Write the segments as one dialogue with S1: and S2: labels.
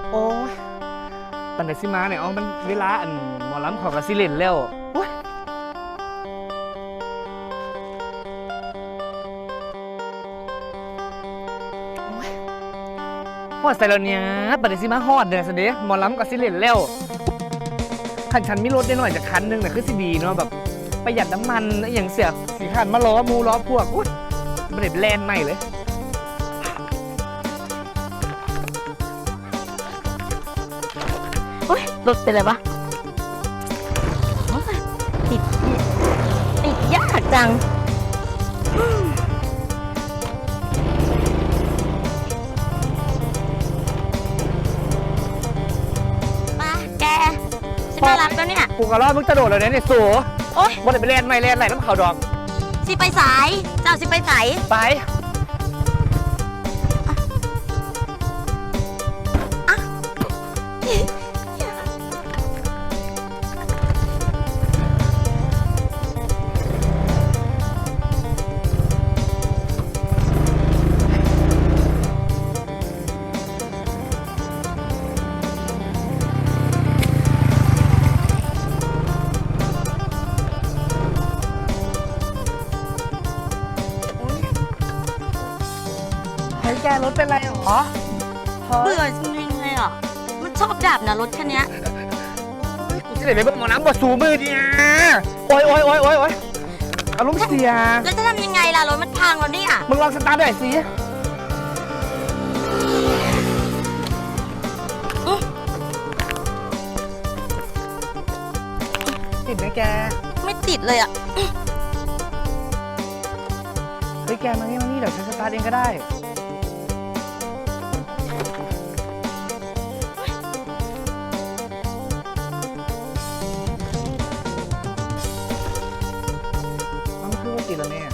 S1: โอ้ยปันไดสิมาเนี่ยมันเวลาอันหมอลำของกระสิเล่นแล้วโอ้ยฮอดใส่แล้วเนี่ยปันไดสิมาฮอดเดือนสิเดะหมอลำกระสิเล่นแล้วคันฉันมีรถได้หน่อยจากคันนึงน่ะคือสิดีเนาะแบบประหยัดน้ำมันอหย่างเสียสีขันมาล้อมูล้อพวกอุ้ยมันเด็ดแลนใหม่เลย
S2: โอ๊ยรถเป็นไรวะโอ๊ยติดยากจังมาแกฉันมารับแล้วเนี่ย
S1: กูกระรอดมึงกระโดดเลยเนี่ยสู
S2: โอ๊ย
S1: มันเด็ดไปแลนใหม่แลนไหลน้ำเขาดอก
S2: สิไปสายเจ้าสิไปสาย
S1: ไปเฮ้ยแกรถเป็นไรหรอ
S2: เบื่อจริงๆเลยอ่ะมันชอบดับนะรถคันเนี้ย
S1: กูจะได้ไปเบิ่งหมอน้ำบดสูมือเนี่ยโอ้ยอารมณ์เสีย
S2: แล้วจะทำยังไงล่ะรถมันพังแล้วเนี่ย
S1: มึงลองสตาร์ทหน่อยสิติดไหมแก
S2: ไม่ติดเลยอ่ะ
S1: เฮ้ยแกมานี่เดี๋ยวฉันสตาร์ทเองก็ได้มันคือว่าติดแล้วแม่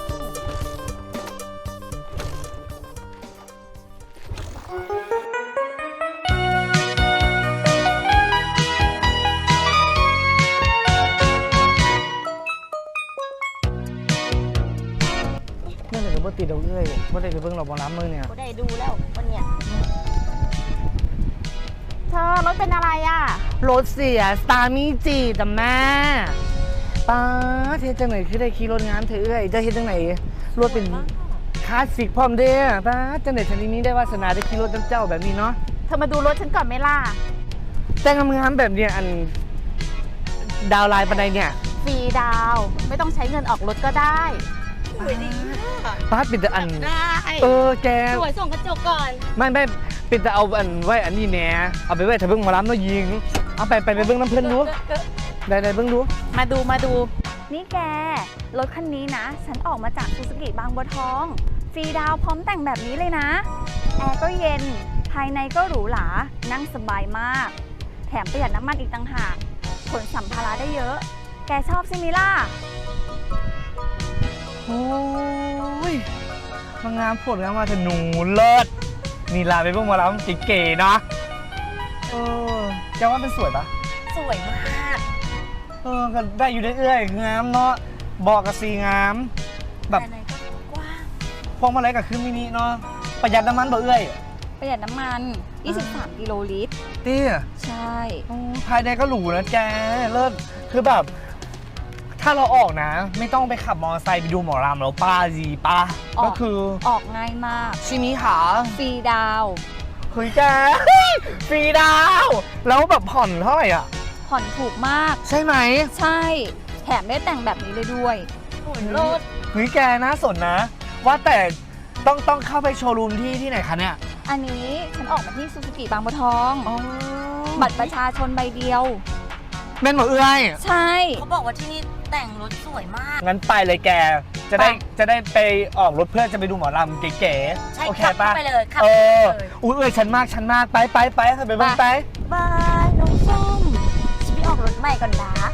S1: เมื่อไหร่จะบ่ติดเอาเอ้ยบ่ได้ไปเบิ่งหรอกบ่น้ำมือเนี่ย
S2: ก็ได้ดูแล้ววันเนี้ย
S3: เธอรถเป็นอะไรอ่ะ
S1: รถเสียสตาร์มีจีจ้ะแม่ป้าเทจังไหนคือได้ขี่รถงานเธอเอ้ยจะเฮ็ดจังไหนรถเป็นคลาสสิกพร้อมเด้อป้าจังไหนฉันนี้ได้วาสนาได้ขี่รถเจ้าแบบนี้เนาะ
S3: เธอมาดูรถฉันก่อนไหมล่ะ
S1: แต่งงามๆแบบเนี้ยอันดาวไลน์ปันใดเนี่ย
S3: ฟรีดาว ไม่ต้องใช้เงินออกรถก็ได้
S2: สวยดี
S1: ป้าปิดแต่อัน
S2: ได้
S1: แก
S2: สวยส่งกระจกก่อน
S1: ไม่ปิดแต่เอาอันไว้อันนี้แหน่เอาไปไว้ถ้าเบิ่งหมอลำเนาะยิงเอาไปเบิ่งน้ำเพิ่นดูได้เบิ่งดู
S3: มาดู นี่แก รถคันนี้นะ ฉันออกมาจากซูซูกิบางบัวทอง ฟรีดาวพร้อมแต่งแบบนี้เลยนะ แอร์ก็เย็น ภายในก็หรูหรา นั่งสบายมาก แถมประหยัดน้ำมันอีกต่างหาก ขนสัมภาระได้เยอะ แกชอบใช่ไหมล่ะ
S1: โอ้ยมางามผลงานมาแต่หนูเลิศนี่ลาไปเบิ่งหมอลำเก๋ๆเนาะแกว่ามันสวยปะ
S2: สวยมาก
S1: ก็ได้อยู่เรื่อยๆงามเนาะบอกกับสีงามแบบ
S2: ภายในก็กว้าง
S1: พวงมาลัยกับคือมินิเนาะประหยัดน้ำมันบ่เอ้ย
S3: ประหยัดน้ำมัน 23 กิโลลิตร
S1: เตี้ย
S3: ใช่
S1: ภายในก็หรูนะแกเลิศคือแบบ ถ้าเราออกนะ ไม่ต้องไปขับมอเตอร์ไซค์ไปดูหมอลำแล้วป้าจีป้าก็คือ
S3: ออกง่ายมาก
S1: ชิมิหา
S3: ฟรีดาว
S1: เฮ้ยแกฟรีดาว แล้วแบบผ่อนเท่าไหร่อ่ะ
S3: ผ่อนถูกมาก
S1: ใช่ไหม
S3: ใช่ แถมได้แต่งแบบนี้เลยด้วย
S2: สวยโลด
S1: เฮ้ยแกน่าสนนะ ว่าแต่ต้องเข้าไปโชว์รูมที่ไหนคะเนี่ย
S3: อันนี้ฉันออกมาที่ซูซูกิบางบัวทอง
S1: อ๋อ
S3: บัตรประชาชนใบเดียว
S1: แม่นหมอเอ้ย
S3: ใช่
S2: เขาบอกว่าที่นี่แต่งรถสวยมาก
S1: งั้นไปเลยแก จะได้ไปออกรถเพื่อจะไปดูหมอลำเก๋
S2: ใช่
S1: ๆ โอเค
S2: ขับ
S1: ป่ะ
S2: เข้าไปเลยขับ
S1: เอ
S2: เข้า
S1: อ
S2: ไปเลย
S1: อุ้ยเอ้ยฉันมากไปค่ะไปเบิ่งไป
S2: บายน้องส้มฉันไปออกรถใหม่ก่อนนะ